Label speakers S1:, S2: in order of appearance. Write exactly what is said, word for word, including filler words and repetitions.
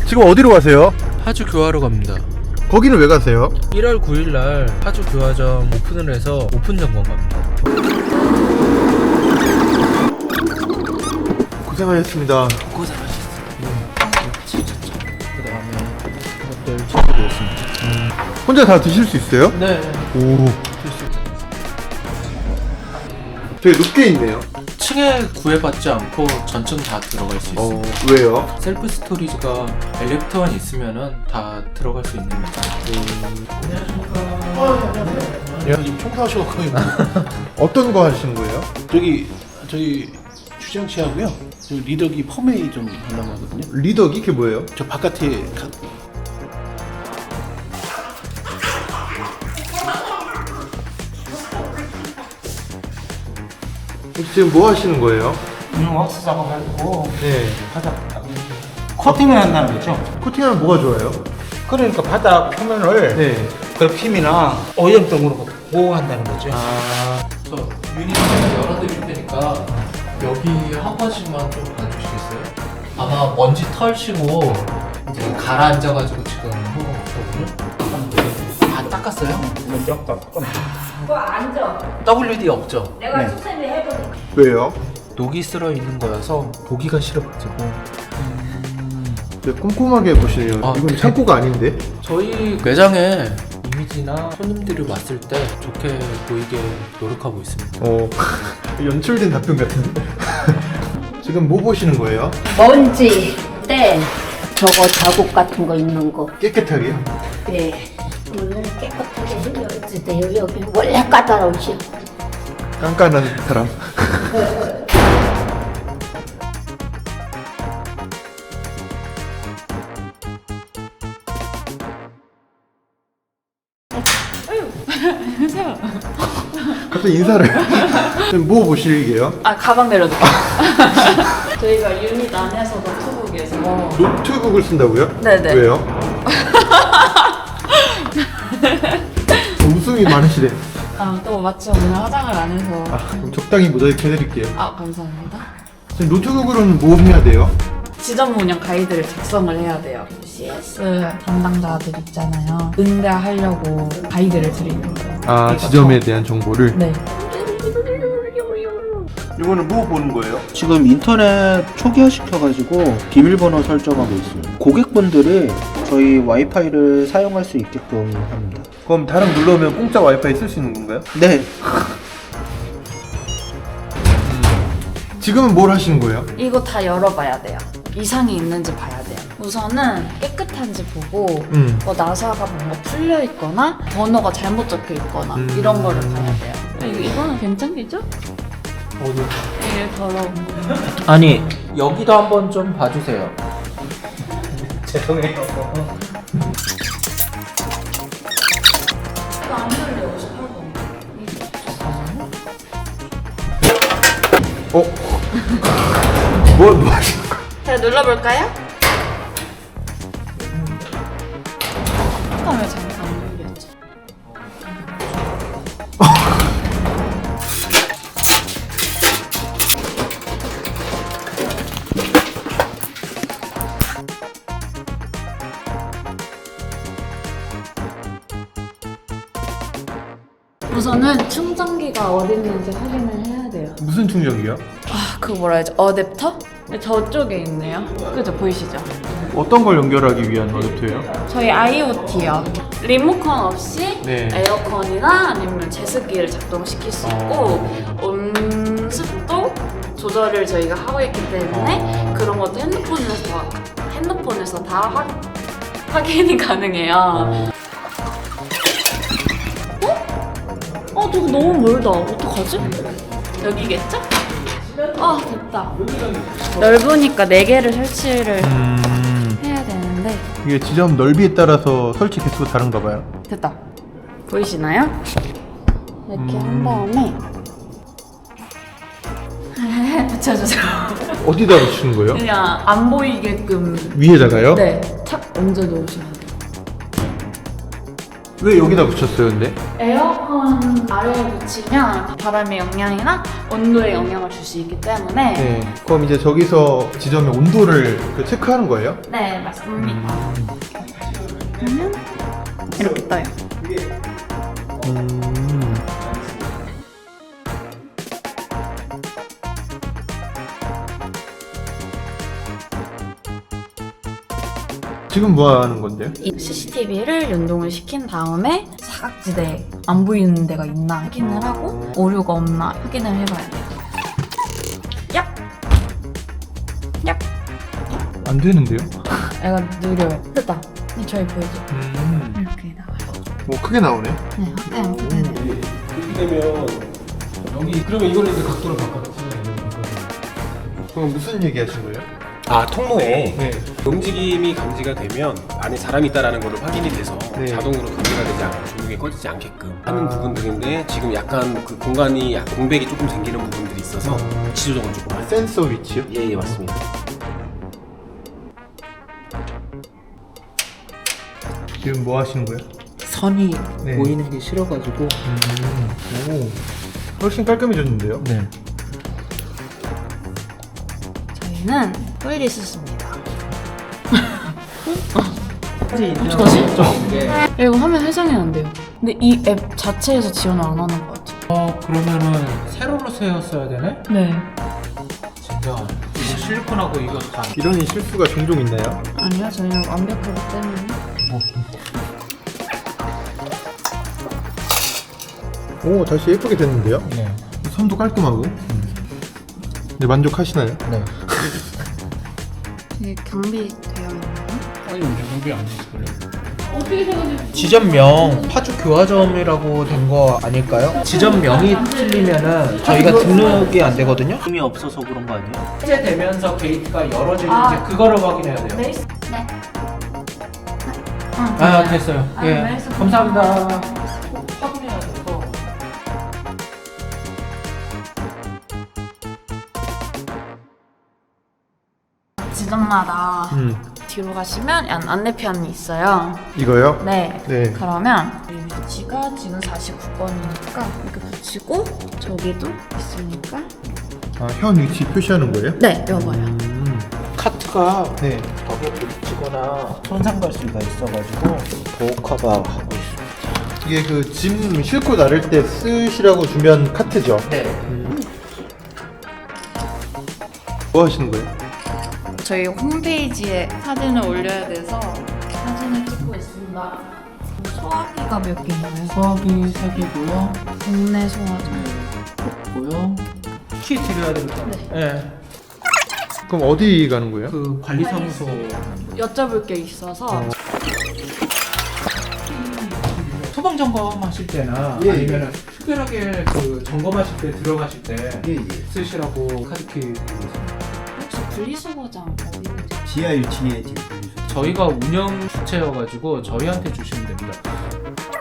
S1: 지금 어디로 가세요?
S2: 파주 교화로 갑니다.
S1: 거기는 왜 가세요?
S2: 일월 구일날 파주 교화점 오픈을 해서 오픈 점검 갑니다.
S1: 고생하셨습니다.
S2: 고생하셨습니다. 그 다음에 이것들 챙겨드렸습니다.
S1: 음. 혼자 다 드실 수 있어요?
S2: 네.
S1: 오, 되게 높게 있네요.
S2: 층에 구애받지 않고 전층 다 들어갈 수 있어요.
S1: 어, 왜요?
S2: 셀프 스토리지가 엘리베이터만 있으면은 다 들어갈 수 있는 거죠.
S3: 야, 지금 청소하시고 거의
S1: 어떤 거 하시는 거예요?
S3: 저기 저희 주장 씨하고요. 저 리더기 펌웨이 좀 하려고 하거든요.
S1: 리더기? 그게 뭐예요?
S3: 저 바깥에 가...
S1: 지금 뭐 하시는 거예요?
S4: 음, 왁스 작업하고
S1: 네.
S4: 바닥 코팅을 한다는 거죠.
S1: 코팅하면 뭐가 좋아요?
S4: 그러니까 바닥 표면을
S1: 네.
S4: 그 피이나 오염 등으로 보호한다는 거죠.
S2: 아, 저 유닛 제가 열어드릴 테니까 여기 한 번씩만 좀 봐주시겠어요? 아마 먼지 털시고 이제 가라앉아가지고 지금 호흡거든요. 다 닦았어요?
S4: 먼저 닦아.
S5: 그거 앉아.
S2: 더블유디 없죠?
S5: 내가
S4: 네.
S5: 수세미 해보니까.
S1: 왜요?
S2: 녹이 쓸어 있는 거여서 보기가 싫어가지고.
S1: 네, 꼼꼼하게 보시네요.
S2: 아,
S1: 이건
S2: 그래?
S1: 창고가 아닌데?
S2: 저희 매장에 이미지나 손님들이 왔을 때 좋게 보이게 노력하고 있습니다.
S1: 어, 연출된 답변 같은데? 지금 뭐 보시는 거예요?
S5: 먼지, 때, 저거 자국 같은 거 있는 거.
S1: 깨끗하게요?
S5: 네. 오늘 깨끗하게 해줘야지. 네, 여기, 여기 원래 까다로우시.
S1: 깐깐한 사람. 갑자기 인사를. 지금 뭐 보시게요?
S6: 아 가방 내려놓고 저희가 유닛 안에서 노트북에서
S1: 노트북을 쓴다고요?
S6: 네네.
S1: 왜요? 웃음이 많으시네.
S6: 아 또 마침 오늘 화장을 안 해서
S1: 아, 그럼 적당히 모자이크 해드릴게요.
S6: 아 감사합니다.
S1: 지금 노트북으로는 뭐 해야 돼요?
S6: 지점 운영 가이드를 작성을 해야 돼요. 씨에스 담당자들 있잖아요. 응대하려고 가이드를 드리는 거예요.
S1: 아,
S6: 그러니까
S1: 지점에 대한 정보를?
S6: 네.
S1: 이거는 뭐 보는 거예요?
S7: 지금 인터넷 초기화 시켜가지고 비밀번호 설정하고 있어요. 고객분들이 저희 와이파이를 사용할 수 있게끔 합니다.
S1: 그럼 다른 눌러오면 공짜 와이파이 쓸 수 있는 건가요?
S7: 네,
S1: 지금은 뭘 하시는 거예요?
S6: 이거 다 열어봐야 돼요. 이상이 있는지 봐야 돼요. 우선은 깨끗한지 보고
S1: 음.
S6: 뭐 나사가 뭔가 풀려 있거나 번호가 잘못 적혀 있거나
S1: 음.
S6: 이런 거를 봐야 돼요. 이거, 이거는 괜찮겠죠?
S2: 어디?
S6: 이게 더러운 거.
S2: 아니 여기도 한번 좀 봐주세요.
S4: 죄송해요.
S6: 이거 안 열려. 오십팔 번.
S1: 어? 뭐, 뭐 하시는 거예요?
S6: 제가 눌러볼까요? 잠깐 왜 잠깐 안 눌렸지? 우선은 충전기가 어디 있는지 확인을 해야 돼요.
S1: 무슨 충전기요?
S6: 아, 그거 뭐라 해야지? 어댑터? 저쪽에 있네요. 그죠? 보이시죠?
S1: 어떤 걸 연결하기 위한 어댑터예요?
S6: 저희 아이오티요. 리모컨 없이
S1: 네.
S6: 에어컨이나 아니면 제습기를 작동시킬 수 있고 온 습도 조절을 저희가 하고 있기 때문에 그런 것도 핸드폰에서 다, 핸드폰에서 다 확, 확인이 가능해요. 어? 어, 저거 너무 멀다. 어떡하지? 여기겠죠? 아, 됐다. 넓으니까 네 개를 설치를
S1: 음,
S6: 해야 되는데
S1: 이게 지점 넓이에 따라서 설치 개수가 다른가 봐요.
S6: 됐다. 보이시나요? 이렇게 한 다음에 붙여주세요.
S1: 어디다 붙이는 거예요?
S6: 그냥 안 보이게끔
S1: 위에다가요?
S6: 네, 착 얹어 놓으시면 돼요.
S1: 왜 여기다 붙였어요, 근데?
S6: 에어컨 아래에 붙이면 바람의 영향이나 온도에 영향을 줄 수 있기 때문에
S1: 네. 그럼 이제 저기서 지점의 온도를 그 체크하는 거예요?
S6: 네, 맞습니다. 그러면 이렇게 떠요.
S1: 음. 지금 뭐 하는 건데요?
S6: 이 씨씨티비를 연동을 시킨 다음에 사각지대 안 보이는 데가 있나 확인을 하고 오류가 없나 확인을 해봐야 돼요. 얍! 얍!
S1: 안 되는데요?
S6: 애가 느려요. 됐다. 이 저희 보이죠?
S1: 음.
S6: 이렇게 나와요.
S1: 뭐 크게 나오네.
S6: 네, 확대 안 크게 돼요.
S3: 그렇게 되면 여기 그러면 이거는 이제 각도를 바꿔서
S1: 그럼 무슨 얘기 하신 거예요?
S8: 아 통로에
S1: 네.
S8: 움직임이 감지가 되면 안에 사람이 있다라는 것을 확인이 돼서
S1: 네.
S8: 자동으로 감지가 되지 않고 조명이 꺼지지 않게끔 하는
S1: 아.
S8: 부분들인데 지금 약간 그 공간이 약 공백이 조금 생기는 부분들이 있어서 위치 조정을 조금 할
S1: 센서 위치요?
S8: 예예 맞습니다.
S1: 지금 뭐 하시는 거예요?
S4: 선이
S1: 네.
S4: 보이는 게 싫어가지고
S1: 음. 오. 훨씬 깔끔해졌는데요?
S4: 네.
S6: 저희는 토일리스입니다.
S4: 어떡하지?
S6: 이거 화면 해상이 안 돼요. 근데 이 앱 자체에서 지원을 안 하는 것 같아요.
S4: 어 그러면은 세로로 세웠어야 되네?
S6: 네.
S4: 진짜 이거 실리콘하고 이거 다
S1: 이런 실수가 종종 있나요?
S6: 아니요, 저희는 완벽하기 때문에.
S1: 오, 다시 예쁘게 됐는데요?
S4: 네.
S1: 선도 깔끔하고. 네, 만족하시나요?
S4: 네.
S6: 이게 경비되어 있나요?
S3: 아니 정비 안 됐을걸요?
S4: 지점명 파주 교화점이라고 된 거 아닐까요? 지점명이 틀리면은 저희가 등록이 안 되거든요.
S7: 힘이 없어서 그런 거 아니에요?
S4: 해제되면서 게이트가 열어지는지
S6: 아.
S4: 그거를 확인해야 돼요.
S6: 네. 네.
S4: 아 됐어요.
S6: 아,
S4: 예.
S6: 네,
S4: 감사합니다. 확인해야 돼서.
S6: 지점마다
S1: 음.
S6: 뒤로 가시면 안- 안내편이 있어요.
S1: 이거요?
S6: 네.
S1: 네.
S6: 그러면 이 위치가 지금 사십구 번이니까 이렇게 붙이고 저기도 있으니까
S1: 아, 현 위치 표시하는 거예요?
S6: 네, 여봐요.
S1: 음.
S4: 카트가
S1: 네.
S4: 벽에 부딪히거나 손상 갈 수가 있어가지고 보호카가 하고 있습니다.
S1: 이게 그 짐 싣고 나를 때 쓰시라고 주면 카트죠?
S4: 네.
S1: 뭐 하시는 거예요?
S6: 저희 홈페이지에 사진을 올려야 돼서 사진을 찍고 있습니다. 소화기가 몇 개인가요?
S4: 수압이 세 개고요.
S6: 국내 소화기.
S4: 고요. 키 드려야 되겠다.
S6: 네.
S4: 네.
S1: 그럼 어디 가는 거예요?
S4: 그 관리사무소.
S6: 여쭤볼 게 있어서
S4: 소방 점검하실 때나
S1: 예,
S4: 아니면 특별하게 그 점검하실 때 들어가실 때
S1: 예, 예.
S4: 쓰시라고 카드키.
S6: 혹시 분리수거장 어디 있는지
S9: 지하 일 층에 지금 분리수거.
S4: 저희가 운영 주체여가지고 저희한테 주시면 됩니다.